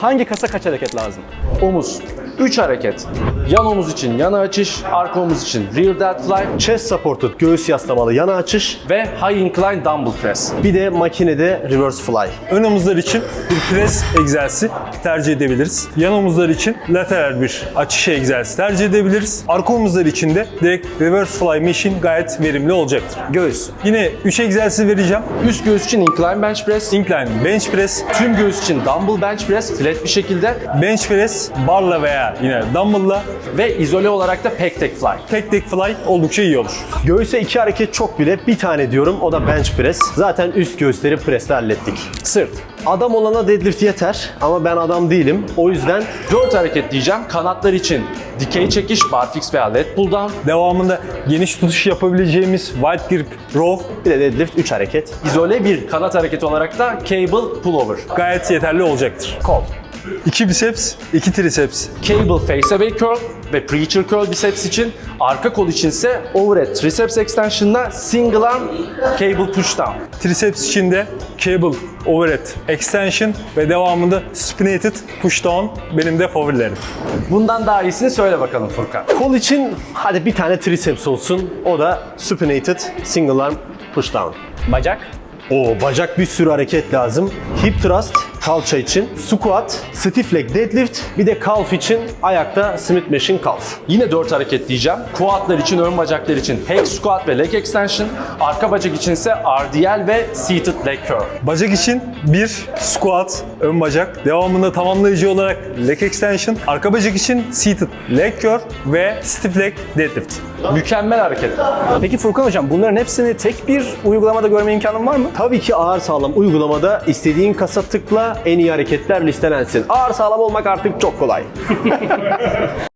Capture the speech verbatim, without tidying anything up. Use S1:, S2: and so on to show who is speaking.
S1: Hangi kasa kaç hareket lazım?
S2: Omuz. üç hareket. Yan omuz için yana açış, arka omuz için rear deadfly
S1: Chest supported, göğüs yaslamalı yana açış.
S2: ve high incline dumbbell press.
S1: Bir de makinede reverse fly.
S3: Ön omuzlar için bir pres egzersizi tercih edebiliriz. Yan omuzlar için lateral bir açış egzersizi tercih edebiliriz. Arka omuzlar için de direkt reverse fly machine gayet verimli olacaktır.
S1: Göğüs.
S3: Yine üç egzersiz vereceğim.
S2: Üst göğüs için incline bench press,
S3: Incline bench press,
S2: tüm göğüs için dumbbell bench press flat bir şekilde
S3: bench press barla veya yine dumbbell'la,
S2: ve izole olarak da pec tek fly.
S3: tek tek fly oldukça iyi olur.
S1: Göğüse iki hareket çok bile, bir tane diyorum, o da bench press. Zaten üst göğüsleri presle hallettik.
S2: Sırt.
S1: Adam olana deadlift yeter ama ben adam değilim. O yüzden
S2: dört hareket diyeceğim. Kanatlar için dikey çekiş, barfix veya lat pull down.
S3: Devamında geniş tutuş yapabileceğimiz wide grip row
S1: bir de deadlift üç hareket.
S2: İzole bir kanat hareketi olarak da cable pullover.
S3: gayet yeterli olacaktır.
S2: Kol.
S3: iki biceps, iki triceps.
S2: Cable face away curl ve preacher curl biceps için, arka kol içinse overhead triceps extension'la single arm cable push down.
S3: Triceps için de cable overhead extension ve devamında supinated push down benim de favorilerim.
S2: Bundan daha iyisini söyle bakalım Furkan.
S1: Kol için hadi bir tane triceps olsun. O da supinated single arm push down.
S2: Bacak.
S1: O bacak bir sürü hareket lazım. Hip thrust kalça için, squat, stiff leg deadlift, bir de calf için ayakta Smith machine calf.
S2: Yine dört hareket diyeceğim. Quadlar için, ön bacaklar için hack squat ve leg extension. Arka bacak içinse R D L ve seated leg curl.
S3: Bacak için bir squat, ön bacak. Devamında tamamlayıcı olarak leg extension. Arka bacak için seated leg curl ve stiff leg deadlift.
S2: Mükemmel hareketler.
S4: Peki Furkan Hocam, bunların hepsini tek bir uygulamada görme imkanın var mı?
S1: Tabii ki ağır sağlam uygulamada istediğin kasa tıkla, en iyi hareketler listelensin. Ağır sağlam olmak artık çok kolay.